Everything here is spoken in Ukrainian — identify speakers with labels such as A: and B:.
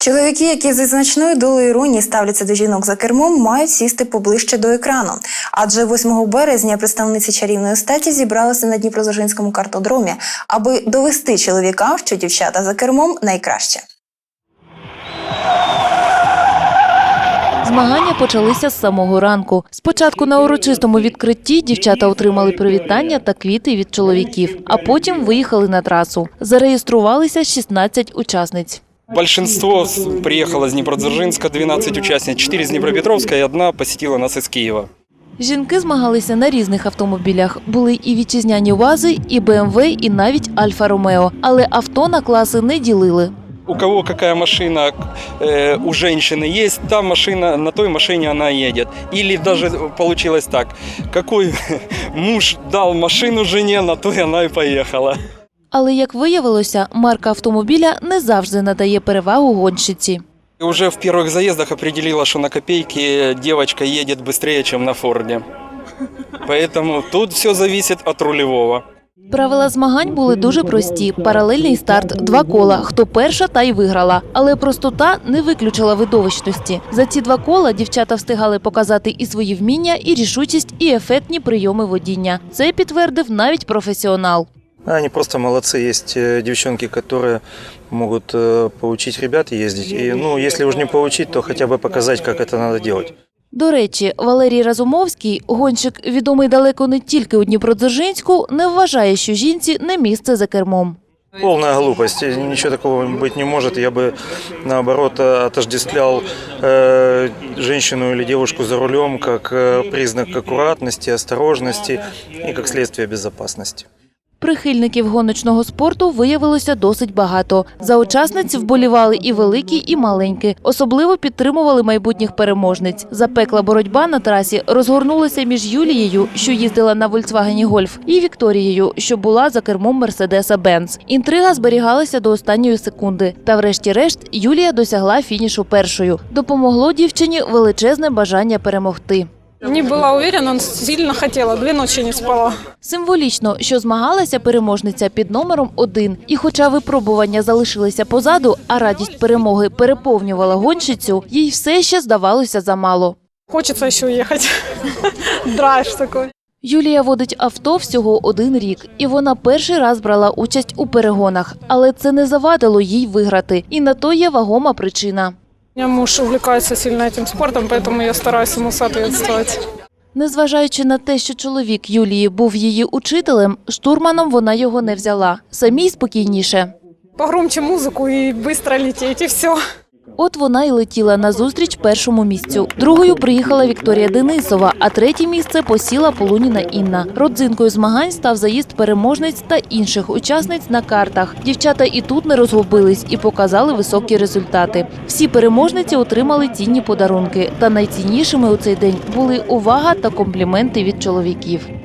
A: Чоловіки, які зі значною долею іронії ставляться до жінок за кермом, мають сісти поближче до екрану. Адже 8 березня представниці чарівної статі зібралися на Дніпродзержинському картодромі, аби довести чоловікам, що дівчата за кермом найкраще.
B: Змагання почалися з самого ранку. Спочатку на урочистому відкритті дівчата отримали привітання та квіти від чоловіків, а потім виїхали на трасу. Зареєструвалися 16 учасниць.
C: Большинство приехало с Днепродзержинска, 12 участниц, 4 с Днепропетровска и 1 посетила нас из Киева.
B: Жінки змагалися на різних автомобілях. Були і вітчизняні УАЗи, і БМВ, і навіть Альфа-Ромео. Але авто на класи не ділили.
C: У кого какая машина у женщины есть, та машина, на той машине она едет. Или даже получилось так, какой муж дал машину жене, на той она и поехала.
B: Але, як виявилося, марка автомобіля не завжди надає перевагу гонщиці.
C: Уже в первых заездах определила, что на копейки девочка едет быстрее, чем на Форде. Поэтому тут все зависит от рулевого.
B: Правила змагань були дуже прості. Паралельний старт, 2 кола. Хто перша, та й виграла. Але простота не виключила видовищності. За ці 2 кола дівчата встигали показати і свої вміння, і рішучість, і ефектні прийоми водіння. Це підтвердив навіть професіонал.
D: Они просто молодцы. Есть девчонки, которые могут поучить ребят ездить. И, если уж не поучить, то хотя бы показать, как это надо делать.
B: До речі, Валерій Разумовський, гонщик, відомий далеко не тільки у Дніпродзержинську, не вважає, що жінці не місце за кермом.
D: Полная глупость. Ничего такого быть не может. Я бы, наоборот, отождествлял женщину или девушку за рулем как признак аккуратности, осторожности и как следствие безопасности.
B: Прихильників гоночного спорту виявилося досить багато. За учасниць вболівали і великі, і маленькі. Особливо підтримували майбутніх переможниць. Запекла боротьба на трасі розгорнулася між Юлією, що їздила на Volkswagen Golf, і Вікторією, що була за кермом Мерседеса Бенц. Інтрига зберігалася до останньої секунди. Та врешті-решт Юлія досягла фінішу першою. Допомогло дівчині величезне бажання перемогти.
E: Не була уверена, сильно хотіла, 2 ночі не спала.
B: Символічно, що змагалася переможниця під номером 1. І хоча випробування залишилися позаду, а радість перемоги переповнювала гонщицю, їй все ще здавалося замало.
E: Хочеться ще їхати. Драйв такий.
B: Юлія водить авто всього 1 рік, і вона перший раз брала участь у перегонах. Але це не завадило їй виграти. І на то є вагома причина.
E: У мене муж увлікається сильно цим спортом, тому я стараюся йому відповідати.
B: Незважаючи на те, що чоловік Юлії був її учителем, штурманом вона його не взяла. Самій спокійніше.
E: Погромче музику і швидко летіти, і все.
B: От вона й летіла назустріч першому місцю. Другою приїхала Вікторія Денисова, а 3-є місце посіла Полуніна Інна. Родзинкою змагань став заїзд переможниць та інших учасниць на картах. Дівчата і тут не розгубились і показали високі результати. Всі переможниці отримали цінні подарунки. Та найціннішими у цей день були увага та компліменти від чоловіків.